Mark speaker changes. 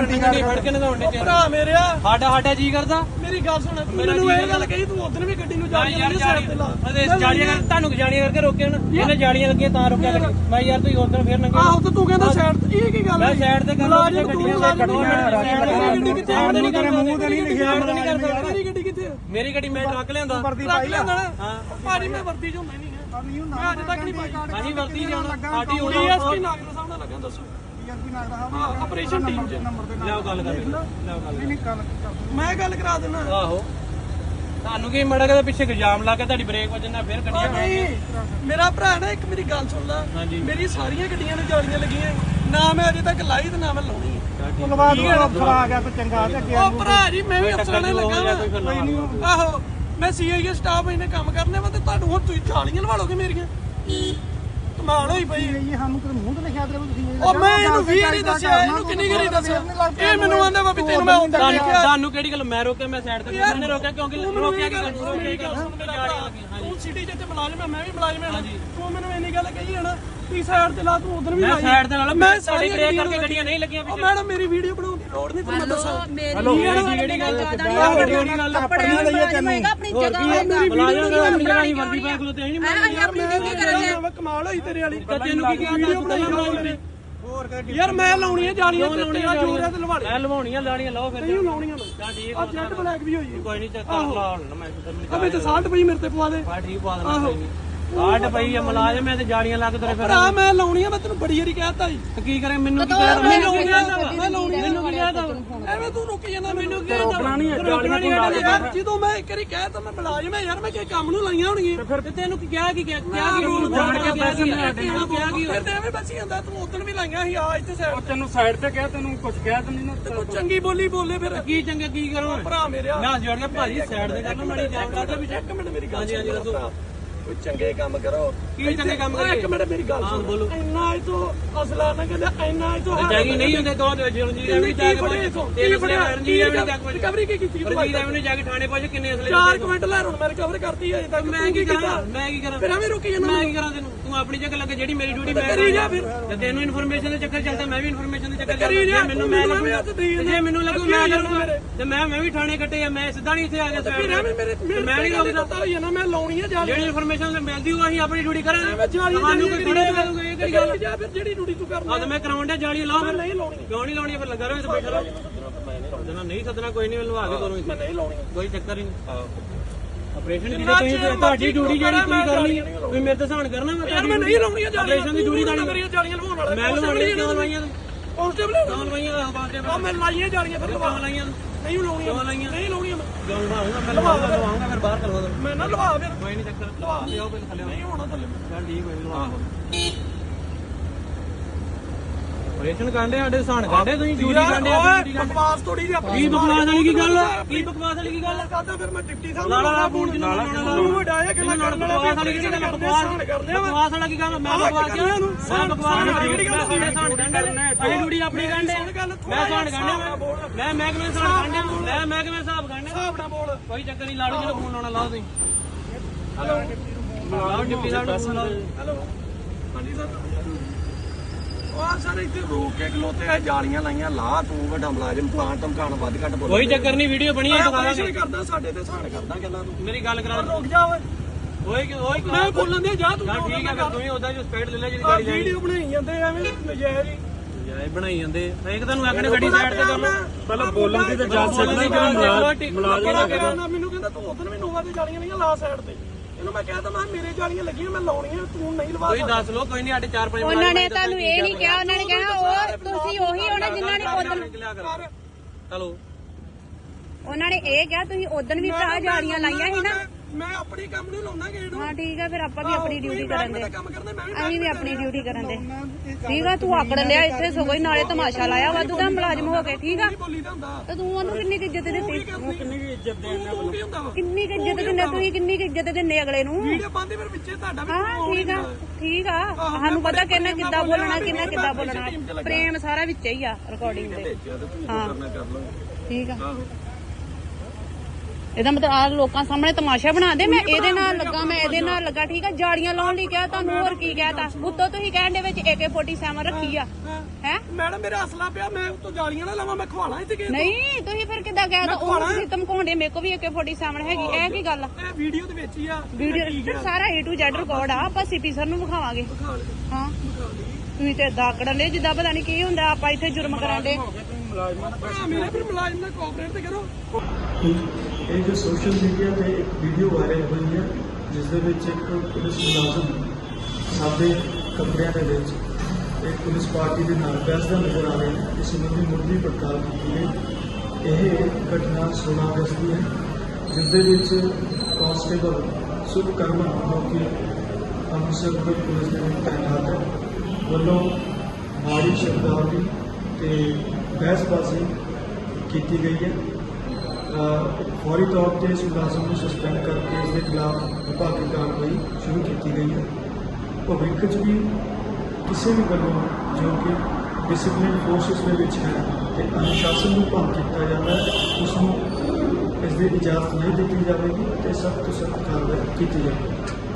Speaker 1: ਨਹੀਂ ਫੜ ਕੇ ਨਗਾਉਣੇ ਚ
Speaker 2: ਭਰਾ ਮੇਰਿਆ
Speaker 1: ਸਾਡਾ ਜੀ ਕਰਦਾ
Speaker 2: ਮੇਰੀ ਗੱਲ ਸੁਣ ਮੈਨੂੰ ਇਹ ਗੱਲ ਕਹੀ ਤੂੰ ਉਧਰ ਵੀ ਗੱਡੀ ਨੂੰ
Speaker 1: ਜਾਲੀਆਂ ਤੁਹਾਨੂੰ ਜਾਲੀਆਂ ਕਰਕੇ ਰੋਕਿਆ ਨਾ ਇਹਨੇ ਜਾਲੀਆਂ ਲੱਗੀਆਂ ਤਾਂ ਰੋਕਿਆ ਮੈਂ ਯਾਰ ਤੁਸੀਂ ਉਧਰ ਫੇਰ ਨੰਗੇ
Speaker 2: ਆਹੋ ਤੇ ਤੂੰ ਕਹਿੰਦਾ ਸਾਈਡ ਤੇ ਇਹ ਕੀ ਗੱਲ
Speaker 1: ਮੈਂ ਸਾਈਡ ਤੇ ਕਰਦਾ ਗੱਡੀਆਂ
Speaker 2: ਗੱਡੀ ਕਿੱਥੇ ਆ
Speaker 1: ਨਹੀਂ ਕਰ ਮੂੰਹ ਤੇ ਨਹੀਂ ਲਿਖਿਆ
Speaker 2: ਮੇਰੀ ਗੱਡੀ ਕਿੱਥੇ
Speaker 1: ਮੇਰੀ ਗੱਡੀ ਮੈਂ ਟਰੱਕ ਲਿਆਂਦਾ
Speaker 2: ਟਰੱਕ ਲਿਆਂਦਾ ਹਾਂ ਭਾਜੀ ਮੈਂ ਵਰਦੀ ਚੋਂ ਮੈਂ ਨਹੀਂ ਮੈਂ ਅੱਜ ਤੱਕ ਨਹੀਂ ਪਾਈ
Speaker 1: ਹਾਂਜੀ ਵਰਦੀ ਜਾਣਾ ਸਾਡੀ ਹੋਣੀ
Speaker 2: ਡੀਐਸਪੀ ਨਾਗਰ ਸਾਹਿਬ ਨਾਲ ਲੱਗਾ ਦੱਸੋ ਆਪਰੇਸ਼ਨ ਟੀਮ ਚ
Speaker 1: ਲਿਆਓ ਗੱਲ ਕਰ ਲਿਆਓ ਗੱਲ
Speaker 2: ਮੈਂ ਗੱਲ ਕਰਾ ਦਿੰਦਾ
Speaker 1: ਆਹੋ ਤੁਹਾਨੂੰ ਕੀ ਮੜਾ ਕੇ ਪਿੱਛੇ ਇਲਜ਼ਾਮ ਲਾ ਕੇ ਤੁਹਾਡੀ ਬ੍ਰੇਕ ਵੱਜਣਾ ਫਿਰ ਗੱਡੀਆਂ
Speaker 2: ਨਹੀਂ ਮੇਰਾ ਭਰਾ ਨਾ ਇੱਕ ਮੇਰੀ ਗੱਲ ਸੁਣ ਲੈ ਮੇਰੀ ਸਾਰੀਆਂ ਗੱਡੀਆਂ ਨੂੰ ਜਾਲੀਆਂ ਲੱਗੀਆਂ ਨਾ ਮੈਂ ਅਜੇ ਤੱਕ ਲਾਈ ਤੇ ਨਾ ਮੈਂ ਲਾਉਣੀ
Speaker 3: ਧੰਨਵਾਦ ਅਫਸਰ ਆ ਗਿਆ ਤੇ ਚੰਗਾ ਤੇ ਅੱਗੇ
Speaker 2: ਉਹ ਭਰਾ ਜੀ ਮੈਂ ਵੀ ਅਫਸਰਾਂ ਨਾਲ ਲੱਗਾ ਆਹੋ ਮੈਂ ਸੀਆਈਏ ਸਟਾਫ ਇਹਨੇ ਕੰਮ ਕਰਨੇ ਵਾ ਤੇ ਤੁਹਾਨੂੰ ਹੁਣ ਤੁਸੀਂ ਜਾਲੀਆਂ ਲਵਾ ਲੋਗੇ ਮੇਰੀਆਂ ਕਮਾਲ ਹੋਈ ਪਈ
Speaker 3: ਇਹ ਸਾਨੂੰ ਤੇ ਮੂੰਹ ਤੇ ਲਿਖਿਆ ਤੇ ਤੁਸੀਂ
Speaker 2: ਉਹ ਮੈਂ ਇਹਨੂੰ ਵੀ ਨਹੀਂ ਦੱਸਿਆ ਇਹਨੂੰ ਕਿੰਨੀ ਗਰੀ ਦੱਸਿਆ ਇਹ ਮੈਨੂੰ ਆਂਦਾ ਵਾ ਵੀ ਤੈਨੂੰ ਮੈਂ ਹੁੰਦਾ ਦੇਖਿਆ
Speaker 1: ਤੁਹਾਨੂੰ ਕਿਹੜੀ ਗੱਲ ਮੈਂ ਰੋਕਿਆ ਮੈਂ ਸਾਈਡ ਤੇ ਮੈਨੇ ਰੋਕਿਆ ਕਿਉਂਕਿ ਰੋਕਿਆ ਕਿ
Speaker 2: ਤੂੰ ਸਿਟੀ ਜਿੱਤੇ ਮੁਲਾਜ਼ਮ ਮੈਂ ਵੀ ਮੁਲਾਜ਼ਮ ਹਾਂ ਤੂੰ ਮੈਨੂੰ ਇੰਨੀ ਗੱਲ ਕਹੀ ਹੈ ਨਾ ਤੀ ਸਾਈਡ ਤੇ ਲਾ ਤੂੰ ਉਧਰ ਵੀ
Speaker 1: ਮੈਂ ਸਾਈਡ ਤੇ ਨਾਲ ਮੈਂ ਸਾਡੀ ਬ੍ਰੇਕ ਕਰਕੇ ਗੱਡੀਆਂ ਨਹੀਂ ਲੱਗੀਆਂ
Speaker 2: ਉਹ ਮੈਡਮ ਮੇਰੀ ਵੀਡੀਓ ਬਣਾਉਣ ਦੀ ਲੋੜ ਨਹੀਂ ਤੁਹਾਨੂੰ ਦੱਸਾਂ
Speaker 1: ਹਲੋ ਜਿਹੜੀ ਗੱਲ ਜਿਹੜੀ ਗੱਲ
Speaker 3: ਆਪਣੀ ਲਈ ਤੈਨੂੰ
Speaker 4: ਆਪਣੀ ਜਗ੍ਹਾ
Speaker 1: ਆਪਣੀ ਵਰਦੀ ਪਾ ਕੋਲ ਤੇ ਨਹੀਂ
Speaker 4: ਆਪਣੀ ਡਿਊਟੀ ਕਰਾਂਗੇ
Speaker 2: ਕਮਾਲ ਹੋਈ ਤੇਰੇ ਵਾਲੀ
Speaker 1: ਤੈਨੂੰ ਕੀ ਕਿਹਾ
Speaker 2: ਵੀਡੀਓ ਬਣਾਈ ਯਾਰ ਮੈਂ ਲਾਉਣੀਆਂ ਜਾਲੀਆਂ ਤੇ ਤੇਰਾ ਜੋਰ ਹੈ ਤੇ ਲਵਾੜੇ
Speaker 1: ਮੈਂ ਲਵਾਉਣੀਆਂ ਲਾਣੀਆਂ ਲਾਓ ਫਿਰ
Speaker 2: ਨਹੀਂ ਲਾਉਣੀਆਂ ਮੈਂ
Speaker 1: ਤਾਂ ਠੀਕ
Speaker 2: ਆ ਜੈਟ ਬਲੈਕ ਵੀ ਹੋਈ
Speaker 1: ਕੋਈ ਨਹੀਂ ਚੱਕ ਲਾ ਹੁਣ ਮੈਂ
Speaker 2: ਅਬੇ ਤੇ 60 ਪਈ ਮੇਰੇ ਤੇ ਪਵਾ ਦੇ
Speaker 1: ਬਾ ਠੀਕ ਪਾ ਦੇਣਾ ਕੋਈ ਨਹੀਂ ਕਾਟ ਪਈ ਆ ਮੁਲਾਜ਼ਮ ਐ ਤੇ ਜਾਲੀਆਂ ਲੱਗ ਤੇਰੇ ਫਿਰ
Speaker 2: ਭਰਾ ਮੈਂ ਲਾਉਣੀਆਂ ਮੈਂ ਤੈਨੂੰ ਬੜੀ ਵਾਰੀ ਕਹਿਤਾ ਜੀ
Speaker 1: ਤੇ ਕੀ ਕਰੇ ਮੈਨੂੰ ਕੀ ਕਹਿ ਮੈਨੂੰ ਕੀ ਕਹਿਦਾ
Speaker 2: ਮੈਂ ਲਾਉਣੀ
Speaker 1: ਮੈਨੂੰ ਕੀ ਕਹਿਦਾ
Speaker 2: ਐਵੇਂ ਤੂੰ ਰੁਕੀ ਜਾਂਦਾ ਮੈਨੂੰ ਕੀ
Speaker 1: ਰੋਕਣਾ ਨਹੀਂ ਜਾਲੀਆਂ ਤੂੰ
Speaker 2: ਯਾਰ ਜਦੋਂ ਮੈਂ ਇੱਕ ਵਾਰੀ ਕਹਿਤਾ ਮੈਂ ਮੁਲਾਜ਼ਮ ਯਾਰ ਮੈਂ ਕੀ ਕੰਮ ਨੂੰ ਲਾਈਆਂ ਹੋਣਗੀਆਂ
Speaker 1: ਫਿਰ ਤੈਨੂੰ ਕੀ ਕਿਹਾ ਕੀ ਰੂਲ ਜਾਣ ਕੇ ਪੈਸੇ ਨਹੀਂ ਆਟੇ ਨੂੰ ਕਿਹਾ ਕੀ
Speaker 2: ਫਿਰ ਤੇ ਐਵੇਂ ਬਚੀ ਜਾਂਦਾ ਤੂੰ ਉਦੋਂ ਵੀ ਲਾਈਆਂ ਸੀ ਆ ਇੱਥੇ ਸਾਈਡ
Speaker 3: ਤੈਨੂੰ ਸਾਈਡ ਤੇ ਕਿਹਾ ਤੈਨੂੰ ਕੁਝ ਕਿਹਾ ਤੈਨੂੰ ਨਾ
Speaker 2: ਤੂੰ ਚੰਗੀ ਬੋਲੀ ਬੋਲੇ ਫਿਰ
Speaker 1: ਕੀ ਚੰਗਾ ਕੀ ਕਰੋ
Speaker 2: ਭਰਾ ਮੇਰਿਆ
Speaker 1: ਮੈਂ ਜੋੜ ਕੇ ਭਾਜੀ ਸਾਈਡ ਤੇ ਕਰਨਾ ਮਾੜੀ ਜਾਣ ਕਰਦਾ ਵੀ
Speaker 2: ਇੱਕ ਮਿੰਟ ਮੇਰੀ ਗੱਲ
Speaker 1: ਹਾਂਜੀ ਹਾਂਜੀ ਦੱਸੋ
Speaker 2: ਕੋਈ ਚੰਗੇ ਕੰਮ ਕਰੋ
Speaker 1: ਕੀ ਚੰਗੇ ਕੰਮ ਕਰੀਏ
Speaker 2: ਇੱਕ ਮਿੰਟ ਮੇਰੀ ਗੱਲ ਸੁਣ
Speaker 1: ਬੋਲੋ
Speaker 2: ਇੰਨਾ ਇਹ ਤੋਂ ਅਸਲਾ ਨਾ ਕਹਿੰਦਾ ਇੰਨਾ ਇਹ ਤੋਂ
Speaker 1: ਜਾਗੀ ਨਹੀਂ ਹੁੰਦੇ ਦੋ ਰਣਜੀਤ ਐਵੇਂ ਜਾ ਕੇ ਤੇਰੇ ਬੜੇ ਰਣਜੀਤ ਐਵੇਂ ਜਾ ਕੇ
Speaker 2: ਰਿਕਵਰੀ ਕੀ ਕੀਤੀ
Speaker 1: ਰਣਜੀਤ ਐਵੇਂ ਜਾ ਕੇ ਥਾਣੇ ਪਹੁੰਚ ਕਿੰਨੇ ਅਸਲੇ
Speaker 2: 4 ਮਿੰਟ ਲੈ ਹੁਣ ਮੈਂ ਰਿਕਵਰ ਕਰਤੀ ਹੈ ਤੱਕ
Speaker 1: ਮੈਂ ਕੀ ਕਰਾਂ
Speaker 2: ਫਿਰ ਐਵੇਂ ਰੁਕੀ ਜਾਂਦਾ
Speaker 1: ਮੈਂ ਕੀ ਕਰਾਂ ਤੈਨੂੰ ਤੂੰ ਆਪਣੀ ਜਗ੍ਹਾ ਲੱਗੇ ਜਿਹੜੀ ਮੇਰੀ ਡਿਊਟੀ ਮੈਂ
Speaker 2: ਕਰੀ ਜਾ ਫਿਰ
Speaker 1: ਤੇ ਤੈਨੂੰ ਇਨਫੋਰਮੇਸ਼ਨ ਦੇ ਚੱਕਰ ਚੱਲਦਾ ਮੈਂ ਵੀ ਇਨਫੋਰਮੇਸ਼ਨ ਦੇ ਚੱਕਰ
Speaker 2: ਕਰੀ ਜਾ
Speaker 1: ਮੈਨੂੰ ਮੈਂ ਜੇ ਮੈਨੂੰ ਲੱਗੂ ਮੈਂ ਕਰੂੰਗਾ ਤੇ ਮੈਂ ਵੀ ਥਾਣੇ ਕੱਟੇ ਆ ਮੈਂ ਸਿੱਧਾ ਨਹੀਂ ਇੱਥੇ ਆ ਗਿਆ
Speaker 2: ਫਿਰ ਐਵੇਂ ਮੇਰੇ
Speaker 1: ਮੈਂ ਨਹੀਂ ਰੋਕਦਾ
Speaker 2: ਪਤਾ ਹੋਈ ਨਾ ਮੈਂ ਲਾਉਣੀ ਹੈ ਜਾਲੀ
Speaker 1: ਜਿਹੜੀ ਇਨਫੋਰਮੇਸ਼ਨ ਮਿਲਦੀ ਹੋਊ ਅਸੀਂ ਆਪਣੀ ਡਿਊਟੀ ਕਰਾਂਗੇ
Speaker 2: ਮੈਂ ਜਾਲੀ
Speaker 1: ਤੁਹਾਨੂੰ ਕੋਈ ਥੋੜੇ ਮਿਲੂਗਾ ਇਹ ਕਿਹੜੀ ਗੱਲ
Speaker 2: ਜਾ ਫਿਰ ਜਿਹੜੀ ਡਿਊਟੀ ਤੂੰ ਕਰਨਾ
Speaker 1: ਆ ਮੈਂ ਕਰਾਉਣ ਡਿਆ ਜਾਲੀ ਲਾਓ ਫਿਰ
Speaker 2: ਨਹੀਂ ਲਾਉਣੀ
Speaker 1: ਕਿਉਂ ਨਹੀਂ ਲਾਉਣੀ ਫਿਰ ਲੱਗਾ ਰਹੋ ਇੱਥੇ ਬੈਠਾ ਰਹੋ ਸੱਦਣਾ ਨਹੀਂ ਸੱਦਣਾ ਕੋਈ ਨਹੀਂ ਲਵਾ ਕੇ ਦੋਨੋਂ
Speaker 2: ਮੈਂ ਨਹੀਂ ਲਾਉਣੀ
Speaker 1: ਕੋਈ ਚੱਕਰ ਹੀ ਨਹੀਂ ਆਪਰੇਸ਼ਨ ਦੀ ਤੁਸੀਂ ਤੁਹਾਡੀ ਡਿਊਟੀ ਜਿਹੜੀ ਤੁਸੀਂ ਕਰਨੀ ਤੁਸੀਂ ਮੇਰੇ ਤੇ ਸਹਾਨ ਕਰਨਾ ਮੈਂ
Speaker 2: ਯਾਰ ਮੈਂ ਨਹੀਂ ਲਾਉਣੀ ਜਾਲੀ
Speaker 1: ਆਪਰੇਸ਼ਨ ਦੀ ਡਿਊਟੀ ਤਾਂ
Speaker 2: ਮੇਰੀਆਂ ਜਾਲੀਆਂ ਲਵਾਉਣ ਵਾਲਾ
Speaker 1: ਮੈਂ ਲਵਾਉਣੀ ਕਿਉਂ ਲਵਾਈਆਂ
Speaker 2: ਕਾਂਸਟੇਬਲ
Speaker 1: ਕਿਉਂ ਲਵਾਈਆਂ
Speaker 2: ਉਹ ਮੈਂ ਲਾਈਆਂ ਜਾਲੀਆਂ ਫਿਰ
Speaker 1: ਕਿਉਂ ਲਾਈਆਂ
Speaker 2: ਨਹੀਂ ਲਾਉਣੀਆਂ ਨਹੀਂ ਲਾਉਣੀਆਂ
Speaker 1: ਕਿਉਂ ਲਵਾਉਂਗਾ ਮੈਂ ਲਵਾਉਂਗਾ ਫਿਰ ਬਾਹਰ ਕਰਵਾ ਦੋ
Speaker 2: ਮੈਂ ਨਾ ਲਵਾ ਫਿਰ
Speaker 1: ਕੋਈ ਨਹੀਂ ਚੱਕਰ ਲਵਾ ਲਿਓ ਪਹਿਲਾਂ ਥੱਲੇ
Speaker 2: ਨਹੀਂ ਹੋਣਾ ਥੱਲੇ
Speaker 1: ਚੱਲ ਠੀਕ ਹੋਈ ਲਵਾ ਆਪਰੇਸ਼ਨ ਕਾਂਡੇ ਸਾਡੇ ਸਹਾਨ ਕਾਂਡੇ ਤੁਸੀਂ ਡਿਊਟੀ ਕਾਂਡੇ
Speaker 2: ਬਕਵਾਸ ਥੋੜੀ ਜਿਹੀ ਆਪਣੀ
Speaker 1: ਕੀ ਬਕਵਾਸ ਵਾਲੀ ਕੀ ਗੱਲ ਕੀ ਬਕਵਾਸ ਵਾਲੀ ਕੀ ਗੱਲ
Speaker 2: ਕਰਦਾ ਫਿਰ ਮੈਂ ਡਿਪਟੀ ਸਾਹਿਬ
Speaker 1: ਲਾਲਾ ਫੋਨ ਜਿੰਨਾ ਲਾਉਣਾ
Speaker 2: ਤੂੰ ਵਡਾਇਆ ਕਿ ਮੈਂ ਕਰਨ ਵਾਲਾ
Speaker 1: ਬਕਵਾਸ ਵਾਲੀ ਕੀ ਗੱਲ ਬਕਵਾਸ ਵਾਲਾ ਕੀ ਗੱਲ ਮੈਂ ਬਕਵਾਸ ਕਿਹਾ ਇਹਨੂੰ ਮੈਂ ਬਕਵਾਸ ਵਾਲੀ ਸਹਾਨ ਕਾਂਡੇ ਅਜੇ ਡਿਊਟੀ ਆਪਣੀ ਕਾਂਡੇ ਮੈਂ ਸਹਾਨ ਕਾਂਡੇ ਮੈਂ ਮਹਿਕਮੇ ਸਹਾਨ ਕਾਂਡੇ ਮੈਂ ਮਹਿਕਮੇ ਹਿਸਾਬ ਕਾਂਡੇ
Speaker 2: ਹਿਸਾਬ ਨਾਲ ਬੋਲ
Speaker 1: ਕੋਈ ਚੱਕਰ ਨਹੀਂ ਲਾੜੂ ਜਿਹੜਾ ਫੋਨ ਲਾਉਣਾ ਲਾਓ ਤੁਸੀਂ ਲਾਓ ਡਿਪਟੀ ਸਾਹਿਬ ਨੂੰ ਫੋਨ ਲਾਓ
Speaker 2: ਹੈਲੋ ਹਾਂਜੀ ਸਰ ਉਹ ਸਰ ਇੱਥੇ ਰੋਕ ਕੇ ਖਲੋਤੇ ਆ ਜਾਲੀਆਂ ਲਾਈਆਂ ਲਾ ਤੂੰ ਵੱਡਾ ਮੁਲਾਜ਼ਮ ਪਲਾਂਟ ਧਮਕਾਣ ਵੱਧ ਘੱਟ ਬੋਲ
Speaker 1: ਕੋਈ ਚੱਕਰ ਨਹੀਂ ਵੀਡੀਓ ਬਣੀ ਹੈ ਦਿਖਾ ਦਾਂਗੇ
Speaker 2: ਕਰਦਾ ਸਾਡੇ ਤੇ ਸਾਨ ਕਰਦਾ ਗੱਲਾਂ ਤੂੰ
Speaker 1: ਮੇਰੀ ਗੱਲ ਕਰਾ
Speaker 2: ਰੁਕ ਜਾ ਓਏ
Speaker 1: ਓਏ
Speaker 2: ਮੈਂ ਬੋਲਣ ਦੇ ਜਾ ਤੂੰ
Speaker 1: ਠੀਕ ਹੈ ਫਿਰ ਤੂੰ ਹੀ ਉਹਦਾ ਜੋ ਸਪੀਡ ਲੈ ਲੈ ਜਿਹੜੀ ਗਾੜੀ
Speaker 2: ਵੀਡੀਓ ਬਣਾਈ ਜਾਂਦੇ ਐਵੇਂ ਨਜਾਇਜ਼ ਹੀ
Speaker 1: ਜਾਏ ਬਣਾਈ ਜਾਂਦੇ ਇੱਕ ਤੁਹਾਨੂੰ ਆਖਣੇ ਗੱਡੀ ਸਾਈਡ ਤੇ ਕਰ ਲਓ
Speaker 3: ਪਹਿਲਾਂ ਬੋਲਣ ਦੀ ਤਾਂ ਜਾ ਸਕਦੀ
Speaker 2: ਮੁਲਾਜ਼ਮ ਮੈਨੂੰ ਕਹਿੰਦਾ ਤੂੰ ਉਧਰ ਵੀ ਨੋਵਾ ਤੇ ਜਾਲੀਆਂ ਲਈਆਂ ਲਾ ਸਾਈਡ ਤੇ ਇਹਨੂੰ ਮੈਂ ਕਹਿੰਦਾ ਮੈਂ ਮੇਰੇ ਜਾਲੀਆਂ ਲੱਗੀਆਂ ਮੈਂ ਲਾਉਣੀਆਂ ਤੂੰ ਨਹੀਂ ਲਵਾ
Speaker 1: ਕੋਈ ਦੱਸ ਲੋ ਕੋਈ ਨਹੀਂ ਸਾਡੇ 4-5
Speaker 4: ਉਹਨਾਂ ਨੇ ਤੁਹਾਨੂੰ ਇਹ ਨਹੀਂ ਕਿਹਾ ਉਹਨਾਂ ਨੇ ਕਹਿਣਾ ਉਹ ਤੁਸੀਂ ਉਹੀ ਹੋਣਾ ਜਿਨ੍ਹਾਂ ਨੇ ਉਦੋਂ
Speaker 1: ਚਲੋ
Speaker 4: ਉਹਨਾਂ ਨੇ ਇਹ ਕਿਹਾ ਤੁਸੀਂ ਉਦੋਂ ਵੀ ਭਰਾ ਜਾਲੀਆਂ ਲਾਈਆਂ ਸੀ ਨਾ
Speaker 2: ਮੈਂ ਆਪਣੀ ਕੰਮ ਨੂੰ ਲਾਉਣਾ ਗੇੜ
Speaker 4: ਹਾਂ ਠੀਕ ਆ ਫਿਰ ਆਪਾਂ ਵੀ ਆਪਣੀ ਡਿਊਟੀ ਕਰਨ ਦੇ
Speaker 2: ਕੰਮ ਕਰਦਾ ਮੈਂ ਵੀ
Speaker 4: ਅਸੀਂ ਵੀ ਆਪਣੀ ਡਿਊਟੀ ਕਰਨ ਦੇ ਠੀਕ ਆ ਤੂੰ ਆਕੜ ਲਿਆ ਇੱਥੇ ਸਗੋਂ ਹੀ ਨਾਲੇ ਤਮਾਸ਼ਾ ਲਾਇਆ ਵਾਧੂ ਦਾ ਮੁਲਾਜ਼ਮ ਹੋ ਕੇ ਠੀਕ ਆ
Speaker 2: ਬੋਲੀ ਦਾ ਹੁੰਦਾ
Speaker 4: ਤੇ ਤੂੰ ਉਹਨੂੰ ਕਿੰਨੀ ਕੁ ਇੱਜ਼ਤ ਦਿੱਤੀ
Speaker 3: ਕਿੰਨੀ ਵੀ ਇੱਜ਼ਤ ਦੇਣ
Speaker 2: ਤੂੰ ਕੀ ਹੁੰਦਾ ਵਾ
Speaker 4: ਕਿੰਨੀ ਕੁ ਇੱਜ਼ਤ ਦਿੰਦੇ ਤੁਸੀਂ ਕਿੰਨੀ ਕੁ ਇੱਜ਼ਤ ਦਿੰਦੇ ਅਗਲੇ ਨੂੰ
Speaker 2: ਵੀਡੀਓ ਪਾਉਂਦੇ ਫਿਰ ਵਿੱਚੇ ਤੁਹਾਡਾ ਵੀ
Speaker 4: ਹਾਂ ਠੀਕ ਆ ਸਾਨੂੰ ਪਤਾ ਕਿੰਨਾ ਕਿੱਦਾਂ ਬੋਲਣਾ ਕਿੰਨਾ ਕਿੱਦਾਂ ਬੋਲਣਾ ਪ੍ਰੇਮ ਸਾਰਾ ਵਿੱਚ ਹੀ ਆ ਰਿਕਾਰਡਿੰਗ ਦੇ ਹਾਂ ਠੀਕ ਆ ਇਹਦਾ ਮਤਲਬ ਆ ਲੋਕਾਂ ਸਾਹਮਣੇ ਤਮਾਸ਼ਾ ਬਣਾ ਦੇ। ਮੈਂ ਇਹਦੇ ਨਾਲ ਲੱਗਾ, ਮੈਂ ਇਹਦੇ ਨਾਲ ਲੱਗਾ, ਠੀਕ ਆ। ਜਾਲੀਆਂ ਲਾਉਣ ਲਈ ਕਿਹਾ ਤੁਹਾਨੂੰ, ਹੋਰ ਕੀ ਕਹਿਤਾ? ਉੱਤੋਂ ਤੁਸੀਂ ਕਹਿਣ ਦੇ ਵਿੱਚ AK-47 ਰੱਖੀ ਆ ਹੈ।
Speaker 2: ਮੈਡਮ ਮੇਰਾ ਅਸਲਾ ਪਿਆ, ਮੈਂ ਉੱਤੋਂ ਜਾਲੀਆਂ ਨਾ ਲਾਵਾਂ, ਮੈਂ ਖਵਾਣਾ ਇੱਥੇ ਕਿਸੇ ਨੂੰ।
Speaker 4: ਨਹੀਂ ਤੁਸੀਂ ਫਿਰ ਕਿੱਦਾਂ ਕਹਿਤਾ? ਉਹ ਤੁਸੀਂ ਧਮਕਾਉਂਦੇ, ਮੇਰੇ ਕੋਲ ਵੀ AK-47 ਹੈਗੀ। ਇਹ ਕੀ ਗੱਲ ਆ?
Speaker 2: ਇਹ ਵੀਡੀਓ ਦੇ ਵਿੱਚ ਹੀ ਆ
Speaker 4: ਵੀਡੀਓ ਸਾਰਾ A to Z ਰਿਕਾਰਡ ਆ। ਆਪਾਂ ਸੀਪੀ ਸਰ ਨੂੰ ਵਿਖਾਵਾਂਗੇ। ਹਾਂ ਤੁਸੀਂ ਤੇ ਏਦਾਂ ਆਕੜਨ ਦੇ ਜਿੱਦਾਂ ਪਤਾ ਨਹੀਂ ਕੀ ਹੁੰਦਾ। ਆਪਾਂ ਇੱਥੇ ਜੁਰਮ ਕਰਾਂਦੇ।
Speaker 2: ਮੇਰੇ ਫਿਰ ਮੁਲਾਜ਼ਮ ਨਾਲ ਕੋਆਪਰੇਟ ਤੇ ਕਰੋ।
Speaker 5: ਇਹ ਜੋ ਸੋਸ਼ਲ ਮੀਡੀਆ ਤੇ ਇੱਕ ਵੀਡੀਓ ਵਾਇਰਲ ਹੋਈ ਹੈ ਜਿਸ ਦੇ ਵਿੱਚ ਇੱਕ ਪੁਲਿਸ ਮੁਲਾਜ਼ਮ ਸਾਡੇ ਕਮਰਿਆਂ ਦੇ ਵਿੱਚ ਇੱਕ ਪੁਲਿਸ ਪਾਰਟੀ ਦੇ ਨਾਲ ਬਹਿਸਦਾ ਨਜ਼ਰ ਆ ਰਿਹਾ ਹੈ। ਇਸ ਸੰਬੰਧੀ ਮੁੱਢਲੀ ਪੜਤਾਲ ਕੀਤੀ ਗਈ। ਇਹ ਘਟਨਾ 16 ਅਗਸਤ ਦੀ ਹੈ ਜਿਸ ਦੇ ਵਿੱਚ ਕਾਂਸਟੇਬਲ ਸੁਖਕਰਮਨ ਜੋ ਕਿ ਅੰਮ੍ਰਿਤਸਰ ਦੇ ਪੁਲਿਸ ਦੇ ਵਿੱਚ ਤਾਇਨਾਤ ਹੈ ਵੱਲੋਂ ਮਾੜੀ ਸ਼ਬਦਾਵਲੀ ਤੇ ਬਹਿਸਬਾਜ਼ੀ ਕੀਤੀ ਗਈ ਹੈ। ਫੌਰੀ ਤੌਰ ਤੇ ਇਸ ਮੁਲਾਜ਼ਮ ਨੂੰ ਸਸਪੈਂਡ ਕਰਕੇ ਇਸ ਦੇ ਖਿਲਾਫ ਵਿਭਾਗੀ ਕਾਰਵਾਈ ਸ਼ੁਰੂ ਕੀਤੀ ਗਈ ਹੈ। ਭਵਿੱਖ 'ਚ ਵੀ ਕਿਸੇ ਵੀ ਵੱਲੋਂ ਜੋ ਕਿ ਡਿਸਪਲਿਨ ਫੋਰਸਿਸ ਦੇ ਵਿੱਚ ਹੈ ਤੇ ਅਨੁਸ਼ਾਸਨ ਨੂੰ ਭੰਗ ਕੀਤਾ ਜਾਂਦਾ ਹੈ ਉਸ ਨੂੰ ਇਸ ਦੀ ਇਜਾਜ਼ਤ ਨਹੀਂ ਦਿੱਤੀ ਜਾਵੇਗੀ ਤੇ ਸਖਤ ਤੋਂ ਸਖਤ ਕਾਰਵਾਈ ਕੀਤੀ ਜਾਵੇਗੀ।